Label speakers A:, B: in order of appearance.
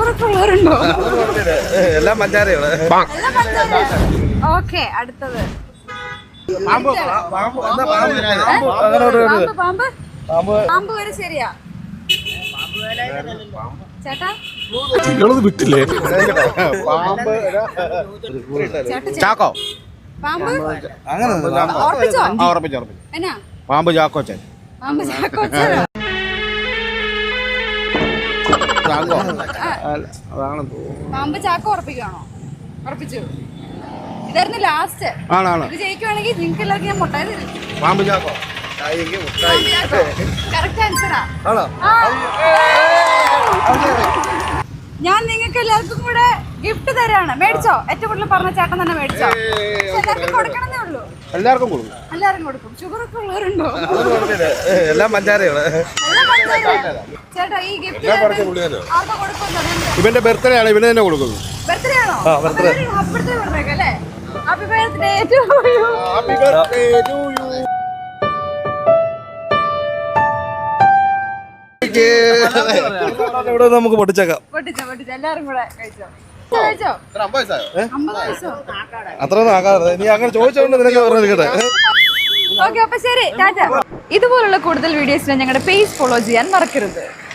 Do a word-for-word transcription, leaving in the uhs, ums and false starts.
A: ഷുഗറൊക്കെ ഉള്ളവരുണ്ടോ?
B: എല്ലാം പഞ്ചാരയാണ്.
A: ഓക്കെ, അടുത്തത്
B: പാമ്പ്
A: പാമ്പ് പാമ്പ് വരെ ശരിയാ ചേട്ടാ.
B: വിട്ടില്ലേ പാമ്പ് ചാക്കോ
A: പാമ്പ്
B: അങ്ങനെ
A: ഉറപ്പിച്ചോ?
B: ഉറപ്പിച്ചു ഉറപ്പിച്ചു
A: എന്നാ
B: പാമ്പ് ചാക്കോച്ചൻ.
A: പാമ്പ് ചാക്കോ
B: ചാക്കോ
A: പാമ്പ് ചാക്കോ ഉറപ്പിക്കാണോ? ഉറപ്പിച്ചു. ഇതായിരുന്നു ലാസ്റ്റ്.
B: ആണാണ്.
A: ഇത് ജയിക്കുവാണെങ്കിൽ നിങ്ങൾക്ക് എല്ലാവർക്കും ഞാൻ മുട്ടായി തരും.
B: പാമ്പ് ചാക്കോ
A: കറക്റ്റ് ആൻസറാ. ഞാൻ നിങ്ങൾക്ക് എല്ലാവർക്കും കൂടെ ഗിഫ്റ്റ് തരാണ്. മേടിച്ചോ? ഏറ്റവും കൂടുതൽ പറഞ്ഞ ചേട്ടൻ തന്നെ മേടിച്ചോ? എല്ലാവർക്കും കൊടുക്കണമെന്നേ ഉള്ളൂ.
B: എല്ലാവർക്കും കൊടുക്കും.
A: എല്ലാവർക്കും കൊടുക്കും. ഷുഗറൊക്കെ ഉള്ളവരുണ്ടോ?
B: എല്ലാം പഞ്ചാരയാണ്.
A: ചേട്ടാ ഈ ഗിഫ്റ്റ് ആർക്കാ കൊടുക്കുന്നത്?
B: ഇവന്റെ ബർത്ത്ഡേ ആണ്, ഇവന് തന്നെ കൊടുക്കുന്നു.
A: ബർത്ത്ഡേ ആണോ? ഹാപ്പി ബർത്ത്ഡേ പറഞ്ഞേക്കാം അല്ലേ? Happy birthday to you.
B: Happy birthday to you. ഇവിടെ നമുക്ക് പൊട്ടിച്ചേക്കാം.
A: പൊട്ടിച്ചോ പൊട്ടിച്ചോ എല്ലാരും കൂടെ കഴിച്ചോ. കഴിച്ചോ?
B: അത്രയൊന്നും ആക്കാതെ നീ അങ്ങനെ ചോദിച്ചോണ്ട് നിനക്ക് പറഞ്ഞിരിക്കട്ടെ.
A: ഓക്കെ, അപ്പൊ ശരി, ടാറ്റ. ഇതുപോലുള്ള കൂടുതൽ വീഡിയോസിന് ഞങ്ങളുടെ പേജ് ഫോളോ ചെയ്യാൻ മറക്കരുത്.